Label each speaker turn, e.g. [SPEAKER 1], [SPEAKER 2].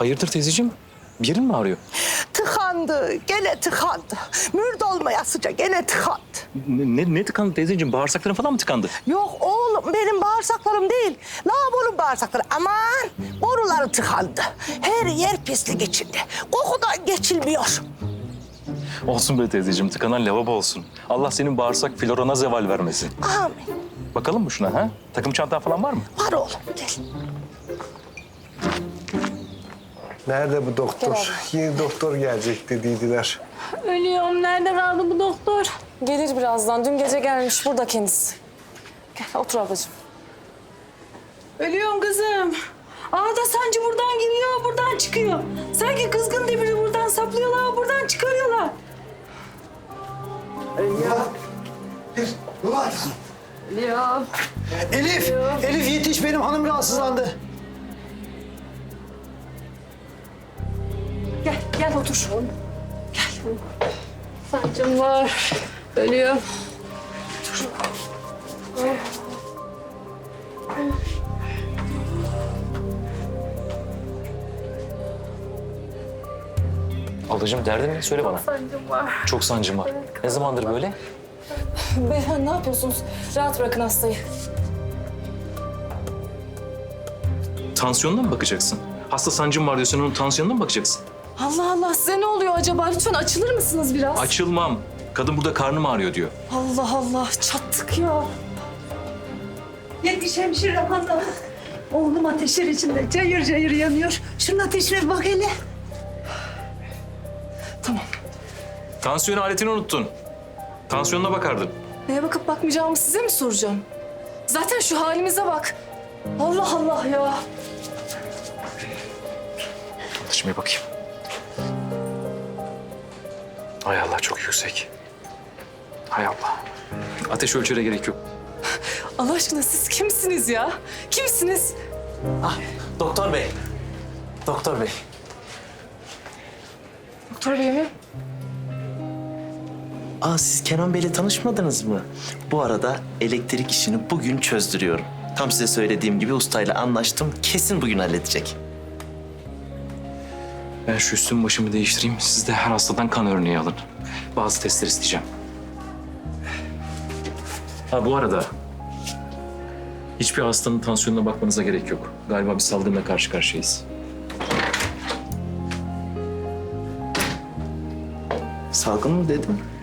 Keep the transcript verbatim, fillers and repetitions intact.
[SPEAKER 1] Hayırdır teyzeciğim? Bir yerin mi ağrıyor?
[SPEAKER 2] Tıkandı, gene tıkandı. Mürd olmayasıca gene tıkandı.
[SPEAKER 1] Ne, ne, ne tıkandı teyzeciğim? Bağırsakların falan mı tıkandı?
[SPEAKER 2] Yok oğlum, benim bağırsaklarım değil. Lavabonun bağırsakları. Aman, boruları tıkandı. Her yer pislik içinde. Kokudan geçilmiyor.
[SPEAKER 1] Olsun be teyzeciğim, tıkanan lavabo olsun. Allah senin bağırsak florana zeval vermesin.
[SPEAKER 2] Amin.
[SPEAKER 1] Bakalım mı şuna ha? Takım çantan falan var mı?
[SPEAKER 2] Var oğlum, gel.
[SPEAKER 3] Nerede bu doktor? Yeni doktor gelecek dediydiler.
[SPEAKER 4] Ölüyorum. Nerede kaldı bu doktor? Gelir birazdan. Dün gece gelmiş. Burada kendisi. Gel otur ablacığım. Ölüyorum kızım. Ağda sancı buradan giriyor, buradan çıkıyor. Sanki kızgın demiri buradan saplıyorlar, buradan çıkarıyorlar.
[SPEAKER 3] Var.
[SPEAKER 4] Ölüyorum.
[SPEAKER 3] Elif, Elif yetiş, benim hanım rahatsızlandı.
[SPEAKER 4] Gel, gel otur. Gel. Sancım var. Ölüyorum.
[SPEAKER 1] Ablacığım derdin ne? Söyle bana.
[SPEAKER 4] Sancım var.
[SPEAKER 1] Çok sancım var. Ne zamandır böyle?
[SPEAKER 4] Beyhan ne yapıyorsunuz? Rahat bırakın hastayı.
[SPEAKER 1] Tansiyonuna mı bakacaksın? Hasta sancım var diyorsun, onun tansiyonuna mı bakacaksın?
[SPEAKER 4] Allah Allah size ne oluyor acaba? Lütfen açılır mısınız biraz?
[SPEAKER 1] Açılmam. Kadın burada karnım ağrıyor diyor.
[SPEAKER 4] Allah Allah çattık ya.
[SPEAKER 5] Yetiş hemşire hanım. Oğlum ateşler içinde cayır cayır yanıyor. Şunun ateşine bir bak hele.
[SPEAKER 4] Tamam.
[SPEAKER 1] Tansiyon aletini unuttun. Tansiyonuna bakardın.
[SPEAKER 4] Neye bakıp bakmayacağımı size mi soracağım? Zaten şu halimize bak. Allah Allah ya.
[SPEAKER 1] Şimdi bakayım. Hay Allah çok yüksek. Hay Allah. Ateş ölçere gerek yok.
[SPEAKER 4] Allah aşkına siz kimsiniz ya? Kimsiniz?
[SPEAKER 6] Ah, doktor bey. Doktor bey.
[SPEAKER 4] Doktor bey mi?
[SPEAKER 6] Aa, siz Kenan Bey'le tanışmadınız mı? Bu arada elektrik işini bugün çözdürüyorum. Tam size söylediğim gibi ustayla anlaştım. Kesin bugün halledecek.
[SPEAKER 1] Ben şu üstümü başımı değiştireyim. Siz de her hastadan kan örneği alın. Bazı testler isteyeceğim. Ha bu arada hiçbir hastanın tansiyonuna bakmanıza gerek yok. Galiba bir salgınla karşı karşıyayız.
[SPEAKER 6] Salgın mı dedim?